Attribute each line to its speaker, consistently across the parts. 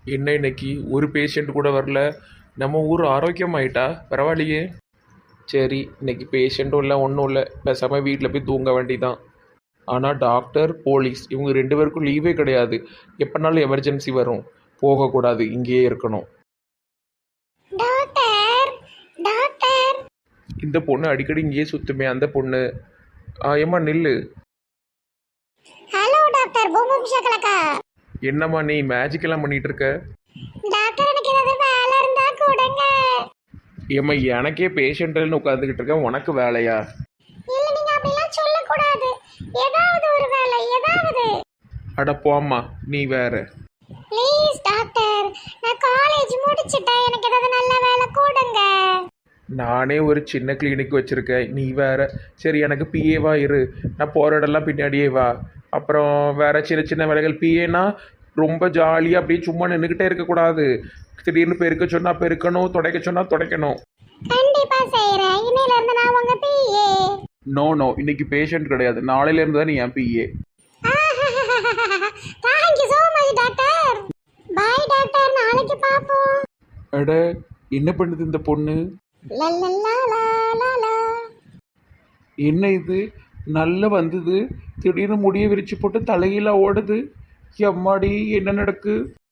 Speaker 1: என்ன இன்னைக்கு ஒரு பேஷண்ட் கூட வரல. நம்ம ஊர் ஆரோக்கியமாயிட்டா பரவாயில்லையே. சரி, இன்னைக்கு பேஷண்ட்டும் இல்லை ஒன்றும் இல்லை, பேசாமல் வீட்டில் போய் தூங்க வேண்டிதான். ஆனால் டாக்டர் போலீஸ் இவங்க ரெண்டு பேருக்கும் லீவே கிடையாது. எப்போனாலும் எமர்ஜென்சி வரும், போகக்கூடாது, இங்கேயே இருக்கணும்.
Speaker 2: Doctor doctor.
Speaker 1: இந்த பொண்ணு அடிக்கடி இங்கேயே சுற்றுமே, அந்த பொண்ணு. ஏம்மா நில்லு.
Speaker 2: Hello doctor boom shakalaka.
Speaker 1: என்னம்மா நீ மேஜிக் எல்லாம் பண்ணிட்டு இருக்க?
Speaker 2: டாக்டர் எனக்கு ஏதாவது வேலை இருந்தா கொடுங்க.
Speaker 1: ஏம்மா எனக்கே பேஷண்ட்னு உட்காந்துக்கிட்டு இருக்கேன், உனக்கு வேலையா?
Speaker 2: இல்ல நீங்க அப்படிலாம் சொல்லக்கூடாது. ஏதாவது ஒரு வேலை ஏதாவது.
Speaker 1: அட போம்மா நீ வேற.
Speaker 2: ப்ளீஸ் டாக்டர், நான் காலேஜ் முடிச்சிட்டேன், எனக்கு ஏதாவது நல்ல வேலை கொடுங்க.
Speaker 1: நானே ஒரு சின்ன கிளினிக் வச்சுருக்கேன், நீ வேற. சரி எனக்கு பிஏவா இரு, நான் போகிற இடம்லாம் பின்னாடியே வா. அப்புறம் வேற சின்ன சின்ன வேலைகள். பிஏனா ரொம்ப ஜாலியாக அப்படியே சும்மா நின்றுக்கிட்டே இருக்கக்கூடாது. திடீர்னு பெருக்க சொன்னால் பெருக்கணும், துடைக்க சொன்னால் துடைக்கணும்.
Speaker 2: கண்டிப்பா செய்றேன். இன்னையில இருந்து நான் உங்க பிஏ.
Speaker 1: நோ நோ, இன்னைக்கு பேஷண்ட் கிடையாது, நாளையிலேருந்து தான் நீ என் PA.
Speaker 2: Thank you so much doctor. Bye doctor, நாளைக்கு பாப்போம்.
Speaker 1: அட என்ன பண்ணுது இந்த பொண்ணு?
Speaker 2: லலலலலலல.
Speaker 1: என்ன இது நல்லா வந்தது, திடீர்னு முடிய விரிச்சு போட்டு தலையில ஓடுது. எம்மாடி என்ன நடக்கு?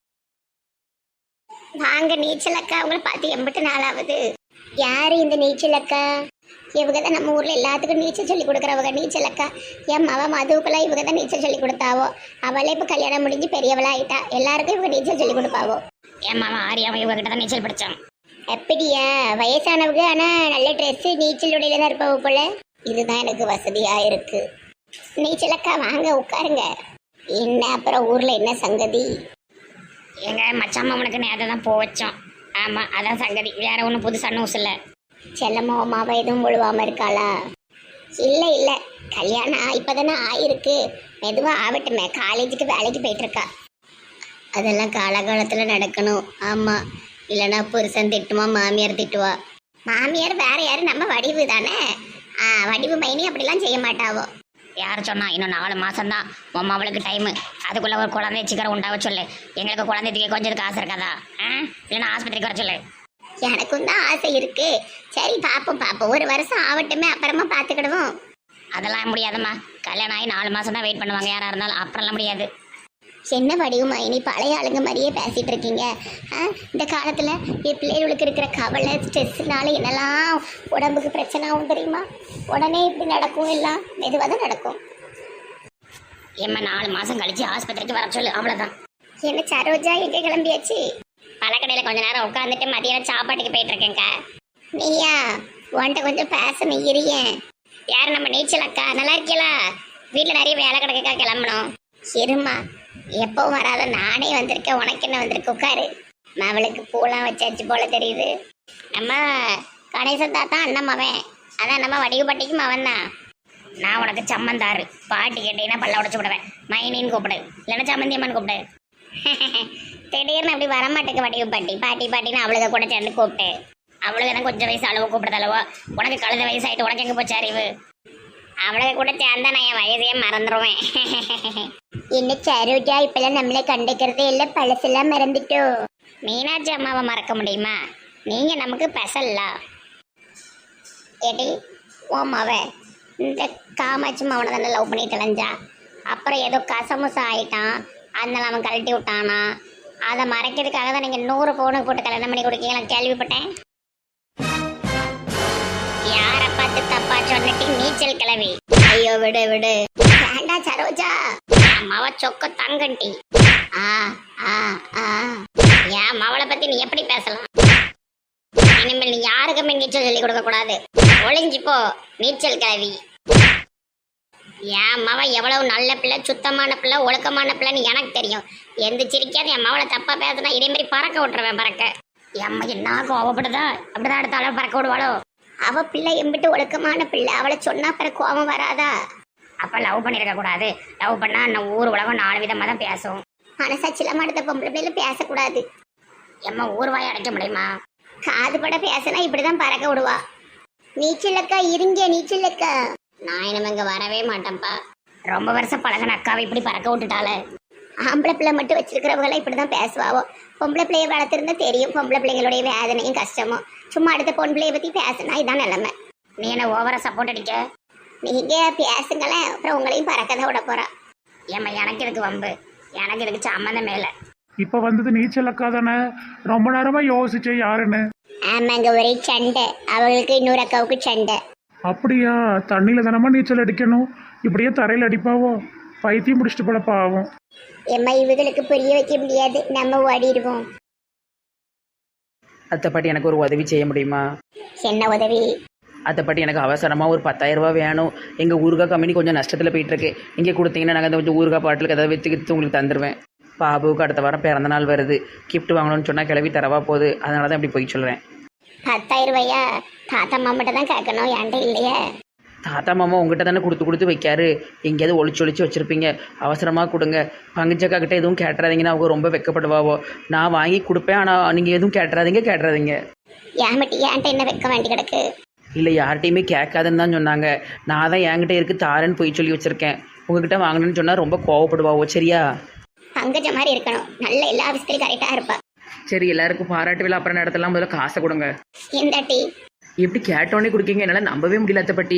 Speaker 2: வாங்க நீச்சல் அக்கா, உங்களை பார்த்து எம்பிட்டு நாளாவது. யாரு இந்த நீச்சல் அக்கா? இவங்க தான் நம்ம ஊர்ல எல்லாத்துக்கும் நீச்சல் சொல்லி கொடுக்குறவங்க. நீச்சல் அக்கா என் மவ மதுவுக்கெல்லாம் இவங்க தான் நீச்சல் சொல்லி கொடுத்தாவோ. அவளே இப்போ கல்யாணம் முடிஞ்சு பெரியவளா ஆயிட்டா, எல்லாருக்கும் இவங்க நீச்சல் சொல்லி கொடுப்பாவோ.
Speaker 3: என் மாமா ஆரியாவும் இவங்க கிட்ட தான் நீச்சல் படிச்சான்.
Speaker 2: எப்படியா வயசானவங்க ஆனா நல்ல ட்ரெஸ் நீச்சல் உடையில தான் இருப்பவ போல. இதுதான் எனக்கு வசதியா இருக்கு. நீச்சல் அக்கா வாங்க உட்காருங்க. என்ன அப்புறம் ஊர்ல என்ன சங்கதி?
Speaker 3: எங்க மச்சாம்மா உனக்கு நேரத்தை தான் போ வச்சோம். ஆமா அதான் சங்கதி, வேற ஒன்றும் புதுசா நியூஸ் இல்லை.
Speaker 2: செல்லம்மா அம்மாவை எதுவும் முழுவாம இருக்காளா? இல்ல இல்ல, கல்யாணம் இப்பதானே ஆயிருக்கு, மெதுவா ஆகட்டுமே. காலேஜுக்கு வேலைக்கு போயிட்டு இருக்கா. அதெல்லாம் காலகாலத்துல நடக்கணும். ஆமா, இல்லைன்னா புருஷன் திட்டுமா, மாமியார் திட்டுவா. மாமியார் வேற யாரு, நம்ம வடிவு தானே. வடிவு மைனி அப்படிலாம் செய்ய மாட்டாவோ.
Speaker 3: யார் சொன்னா? இன்னும் 4 மாசம்தான் உன் அவளுக்கு டைமு. அதுக்குள்ள ஒரு குழந்தை சீக்கிரம் உண்டாவ சொல்லு. எங்களுக்கு குழந்தைக்கு கொஞ்சம் காசு இருக்காதா? இல்லைன்னா ஆஸ்பத்திரிக்கு வர சொல்லு.
Speaker 2: எனக்கும் தான் ஆசை இருக்கு. சரி பாப்போம் பாப்போம், ஒரு வருஷம் ஆகட்டுமே, அப்புறமா பாத்துக்கிடுவோம்.
Speaker 3: அதெல்லாம் முடியாதம்மா, கல்யாணம் ஆகி 4 மாசம் தான் வெயிட் பண்ணுவாங்க யாரா இருந்தாலும், அப்புறம்லாம் முடியாது.
Speaker 2: என்ன வடிவுமா இனி பழைய ஆளுங்க மாதிரியே பேசிட்டு இருக்கீங்க? இந்த காலத்துல என் பிள்ளைகளுக்கு இருக்கிற கவலை ஸ்ட்ரெஸ்னால என்னெல்லாம் உடம்புக்கு பிரச்சனை ஆகும் தெரியுமா? உடனே இப்படி நடக்கும், எல்லாம் மெதுவாக தான் நடக்கும்.
Speaker 3: ஏம்மா 4 மாசம் கழிச்சு ஆஸ்பத்திரிக்கு வர சொல்லு, அவ்வளவுதான்.
Speaker 2: என்ன சரோஜா எங்கே கிளம்பியாச்சு?
Speaker 3: பழக்கடையில் கொஞ்ச நேரம் உட்காந்துட்டு மதியானம் சாப்பாட்டுக்கு போயிட்டு இருக்கேங்க்கா.
Speaker 2: நீயா? உன்கிட்ட கொஞ்சம் பேசணும் இருயேன்.
Speaker 3: யார்? நம்ம நீச்சல் அக்கா. நல்லா இருக்கீங்களா? வீட்டில் நிறைய வேலை கிடக்கா, கிளம்பணும்.
Speaker 2: இருமா, எப்பவும் வராத நானே வந்திருக்கேன், உனக்கு என்ன வந்திருக்கு? உட்காரு. அவளுக்கு பூலாம் வச்சாச்சு போல தெரியுது.
Speaker 3: நம்ம கணேசன் தாத்தா அண்ணன் மவன், அதான் நம்ம வடிவுப்பட்டிக்கு மவன் தான். நான் உனக்கு சம்மந்தாரு. பாட்டி கேட்டீங்கன்னா பல்ல உடச்சு விடுவேன். மைனின்னு கூப்பிடு, இல்லைன்னா சம்மந்தி அம்மன் கூப்பிடு.
Speaker 2: திடீர்னு அப்படி வரமாட்டேங்க வடிவு பாட்டி. பாட்டி பாட்டின்னு அவளுக்கு கூட சேர்ந்து கூப்பிட்டு.
Speaker 3: அவளுக்கு தான் கொஞ்சம் வயசு அளவு கூப்பிடுறது அளவோ. உனக்கு கழுத வயசாயிட்டு உனக்கு எங்கே போச்சு அறிவு?
Speaker 2: அவளுக்கு கூட சேர்ந்தா நான் என் வயதையே மறந்துடுவேன். என்ன சரோஜா இப்பெல்லாம் நம்மளை கண்டுக்கிறதே இல்லை, பழசெல்லாம் மறந்துட்டோம்.
Speaker 3: மீனாட்சி அம்மாவை மறக்க முடியுமா? நீங்க நமக்கு பெசல்ல.
Speaker 2: ஏடி ஓமாவ இந்த காமாட்சி மாவனை தானே லவ் பண்ணி தொலைஞ்சா. அப்புறம் ஏதோ கசமுசா ஆயிட்டான், அதனால அவன் கழட்டி விட்டானா. அதை மறைக்கிறதுக்காக தான் நீங்கள் 100 பவுனுக்கு போட்டு கல்யாணம் பண்ணி கொடுக்கீங்களா கேள்விப்பட்டேன்.
Speaker 3: யாரை பார்த்து தப்பா சொன்னட்டி நீச்சல் கிளவி?
Speaker 2: ஐயோ விடு விடு, வேண்டா சரோஜா.
Speaker 3: அம்மாவ சொக்க தங்கண்டி.
Speaker 2: ஆ ஆ ஆ
Speaker 3: என் மவளை பத்தி நீ எப்படி பேசலாம்? இனிமேல் நீ யாருக்குமே நீச்சல் சொல்லி கொடுக்க கூடாது. ஒளிஞ்சிப்போ நீச்சல் கிளவி. என் மவ எவ்வளவு நல்ல பிள்ளை, சுத்தமான பிள்ளை, ஒழுக்கமான பிள்ளைன்னு எனக்கு தெரியும். எந்த சிரிக்காது என் மவளை தப்பா பேசுனா இதே மாதிரி பறக்க விட்டுருவேன். பறக்க எம்மா என்ன கோவப்படுதா? அப்படிதான் அடுத்த அளவு பறக்க விடுவாளோ?
Speaker 2: அவ பிள்ளை எம்பிட்டு ஒழுக்கமான பிள்ளை, அவளை சொன்னா பிறகு கோபம் வராதா?
Speaker 3: அப்ப லவ் பண்ணிருக்க கூடாது. லவ் பண்ணா நம்ம ஊர் உலகம் 4 விதமா தான் பேசும்.
Speaker 2: மனசாட்சியில அடுத்த பொம்பளை பிள்ளைல பேசக்கூடாது.
Speaker 3: எம்மா ஊர் வாயை அடைக்க முடியுமா?
Speaker 2: காது பட பேசினா இப்படிதான் பறக்க விடுவா. நீச்சலக்கா இருங்க, நீச்சலக்கா.
Speaker 3: நான் இனிமே இங்க வரவே மாட்டேன்ப்பா. ரொம்ப வருஷம் பழகின அக்காவை இப்படி பறக்க விட்டுட்டால.
Speaker 2: ஆம்பளை பிள்ளை மட்டும் வச்சிருக்கிறவங்களாம் இப்படி தான் பேசுவாவோ. பொம்பளை பிள்ளையை வளர்த்துருந்தா தெரியும் பொம்பளை பிள்ளைங்களுடைய வேதனையும் கஷ்டமும். சும்மா அடுத்த பொன் பிள்ளையை பற்றி பேசினா இதான் நிலைமை.
Speaker 3: நீ என்ன ஓவரா சப்போர்ட் அடிக்க?
Speaker 2: நீங்கள் பேசுங்களேன், அப்புறம் உங்களையும் பறக்க தான் விட போகிறா.
Speaker 3: ஏம்மா எனக்கு இதுக்கு வம்பு, எனக்கு இதுக்கு சம்மந்தமே இல்லை.
Speaker 4: இப்போ வந்தது நீச்சல் அக்கா தானே? ரொம்ப நேரமாக யோசிச்சேன் யாருன்னு.
Speaker 2: ஆமாங்க, ஒரே சண்டை. அவங்களுக்கு இன்னொரு அக்காவுக்கு சண்டை.
Speaker 4: அப்படியா? தண்ணியில் தானமா நீச்சல் அடிக்கணும், இப்படியே தரையில் அடிப்பாவோ? பைத்தியம் பிடிச்சிட்டு போல பாவம்.
Speaker 2: எம்மா இவங்களுக்கு புரிய வைக்க முடியாது, நம்ம ஓடிடுவோம்.
Speaker 5: அத்தைப்பாட்டி எனக்கு ஒரு உதவி செய்ய முடியுமா?
Speaker 2: என்ன உதவி?
Speaker 5: அத்தைப்பாட்டி எனக்கு அவசரமாக ஒரு 10,000 ரூபா வேணும். எங்கள் ஊறுகாய் கம்பெனி கொஞ்சம் நஷ்டத்தில் போயிட்டுருக்கு. இங்கே கொடுத்தீங்கன்னா நாங்கள் அந்த கொஞ்சம் ஊறுகாய் பாட்டிலுக்கு ஏதாவது விற்று உங்களுக்கு தந்துடுவேன். பாபுவுக்கு அடுத்த வாரம் பிறந்த நாள் வருது, கிஃப்ட் வாங்கணும்னு சொன்னால் கிளவி தரவா போகுது, அதனால தான் இப்படி போய் சொல்கிறேன்.
Speaker 2: 10,000 ரூபாயா? தாத்தா மாமாட்ட தான் கேட்கணும், என்கிட்ட இல்லையே.
Speaker 5: தாத்தா மாமா உங்ககிட்ட தானே கொடுத்து வைக்காரு, எங்கேயாவது ஒளிச்சு வச்சுருப்பீங்க. அவசரமாக கொடுங்க. பங்குச்சக்கா கிட்டே எதுவும் கேட்டுறாதீங்கன்னா அவங்க ரொம்ப வெக்கப்படுவாவோ. நான் வாங்கி கொடுப்பேன், ஆனால் நீங்கள் எதுவும் கேட்டுறாதீங்க.
Speaker 2: ஏமட்டி என்கிட்ட என்ன வைக்க வேண்டி கிடக்கு?
Speaker 5: இல்லை யார்கிட்டையுமே கேட்காதுன்னு தான் சொன்னாங்க. நான் தான் என்கிட்ட இருக்குது தாரேன்னு போய் சொல்லி வச்சுருக்கேன். உங்ககிட்ட வாங்கணும்னு சொன்னால் ரொம்ப கோவப்படுவாவோ. சரியா?
Speaker 2: பங்கஜ மாதிரி இருக்கணும், நல்ல எல்லா விஷயத்துலையும் கரெக்டாக இருப்பா.
Speaker 5: சரி, எல்லாருக்கும் பாராட்டு விழா அப்புறம் இடத்தெல்லாம் முதல்ல காசை கொடுங்க.
Speaker 2: இந்த டீ
Speaker 5: எப்படி கேட்டோன்னே கொடுக்கீங்க? என்னால் நம்பவே முடியல அத்தைப்பாட்டி.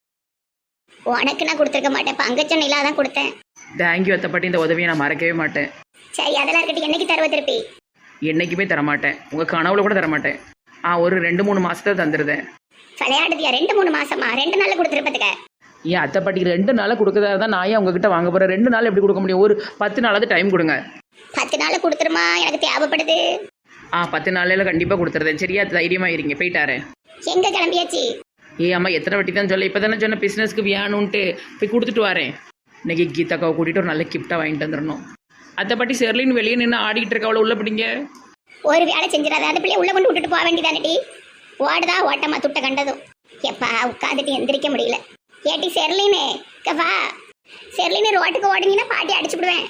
Speaker 2: உனக்கு நான் கொடுத்துருக்க மாட்டேன், பங்கஜ நிலா தான் கொடுத்தேன்.
Speaker 5: தேங்க்யூ அத்தைப்பாட்டி, இந்த உதவியை நான் மறக்கவே மாட்டேன்.
Speaker 2: சரி, அதெல்லாம் இருக்கட்டும். என்னைக்கு தருவ திருப்பி?
Speaker 5: என்றைக்குமே தரமாட்டேன், உங்கள் கனவுல கூட தரமாட்டேன். ஒரு 2-3 மாதத்தை தந்துடுதேன்.
Speaker 2: விளையாடுதியா? 2-3 மாசமா? 2 நாள்ல கொடுத்துருப்பதுக்க.
Speaker 5: ஏன் அத்தைப்பாட்டி 2 நாளாக கொடுக்கறதா தான் நான் ஏன் உங்ககிட்ட வாங்க போகிறேன்? 2 நாள் எப்படி கொடுக்க முடியும்? ஒரு 10 நாளாவது டைம் கொடுங்க.
Speaker 2: 10 நாள் கொடுத்துருமா? எனக்கு தேவைப்படுது.
Speaker 5: 10 நாளில் கண்டிப்பாக கொடுத்துருதேன். சரியா? தைரியமாக இருங்க, போயிட்டாரேன்.
Speaker 2: எங்க கிளம்பியாச்சு?
Speaker 5: அம்மா எத்தனை வாட்டி தான் சொல்ல, இப்போ தானே சொன்ன பிஸ்னஸ்க்கு வேணும்ன்ட்டு போய் கொடுத்துட்டு வரேன். இன்னைக்கு கீதாக்காவை கூட்டிகிட்டு ஒரு நல்ல கிஃப்டாக வாங்கிட்டு வந்துடணும். அத்தைப்பாட்டி செர்லின்னு வெளியே நின்று ஆடிக்கிட்டு இருக்க, அவளை உள்ள பிடிங்க.
Speaker 2: ஒரு வேலை செஞ்சிடாத, அந்த பிள்ளைய உள்ள கொண்டு விட்டுட்டு போக வேண்டியதானடி. ஓடுதா ஓட்டமா துட்ட கண்டதும். எப்பா உட்காந்துட்டு எந்திரிக்க முடியல. ஏட்டி செர்லினு வா. செர்லினு ரோட்டுக்கு ஓடுனீங்கன்னா பாட்டி அடிச்சு விடுவேன்.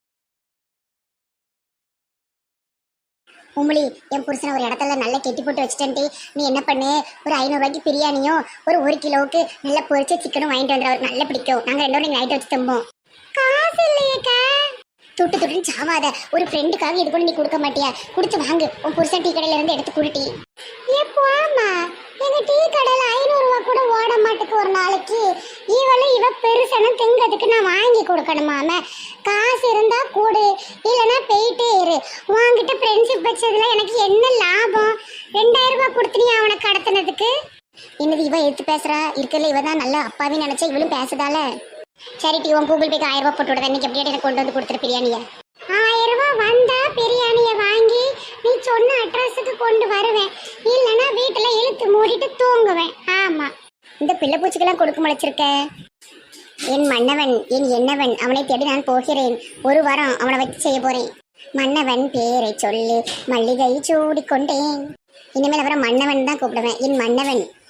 Speaker 2: உமிழி, என் புருஷனை ஒரு இடத்துல நல்லா கெட்டி போட்டு வச்சுட்டேன்ட்டு நீ என்ன பண்ணு, ஒரு 500 ரூபாய்க்கு பிரியாணியும் ஒரு 1 கிலோவுக்கு நல்லா பொரிச்ச சிக்கனும் வாங்கிட்டு வந்துடுற. அவருக்கு நல்லா பிடிக்கும். நாங்கள் 2 பேரும் நைட் வச்சு தம்போம். காசு இல்லையேக்கா. துட்டுன்னு சாவாத. ஒரு ஃப்ரெண்டுக்காக இது கூட நீ கொடுக்க மாட்டியா? கொடுத்து வாங்கு. உன் புருஷன் டீ கடையில இருந்து எடுத்து குடுட்டி. எப்போமா எங்க டீ கடையில 500 ரூபா கூட ஓட மாட்டுக்கு ஒரு நாளைக்கு. இவ பெருசன திங்கிறதுக்கு நான் வாங்கி கொடுக்கணுமாம. காசு இருந்தா கூடு, இல்லைன்னா போயிட்டே இரு. உன்கிட்ட ஃப்ரெண்ட்ஷிப் வச்சதுல எனக்கு என்ன லாபம்? 2000 ரூபாய் கொடுத்து நீ அவனை கடத்தினதுக்கு. என்னது இவ எடுத்து பேசுறா? இருக்கல இவ தான் நல்லா அப்பாவே நினைச்சா இவளும் பேசுதால. சரி டீ, உன் கூகுள் பேக்கு 1000 ரூபாய் போட்டு விடுறேன். இன்னைக்கு எப்படியா எனக்கு கொண்டு வந்து கொடுத்துரு பிரியாணிய. 1000 ரூபாய் வந்தா பிரியாணிய வாங்கி நீ சொன்ன அட்ரஸுக்கு கொண்டு வருவேன். இல்லைன்னா வீட்டுல இழுத்து மூடிட்டு தூங்குவேன். ஆமா, இந்த பிள்ளை பூச்சிக்கெல்லாம் கொடுக்க முளைச்சிருக்க. என் மன்னவன் என் என்னவன் அவனை தேடி நான் போகிறேன். 1 வாரம் அவனை வச்சு செய்ய போறேன். மன்னவன் பேரை சொல்லி மல்லிகை சூடிக்கொண்டேன். இனிமேல் அவரை மன்னவன் தான் கூப்பிடுவேன். என் மன்னவன்.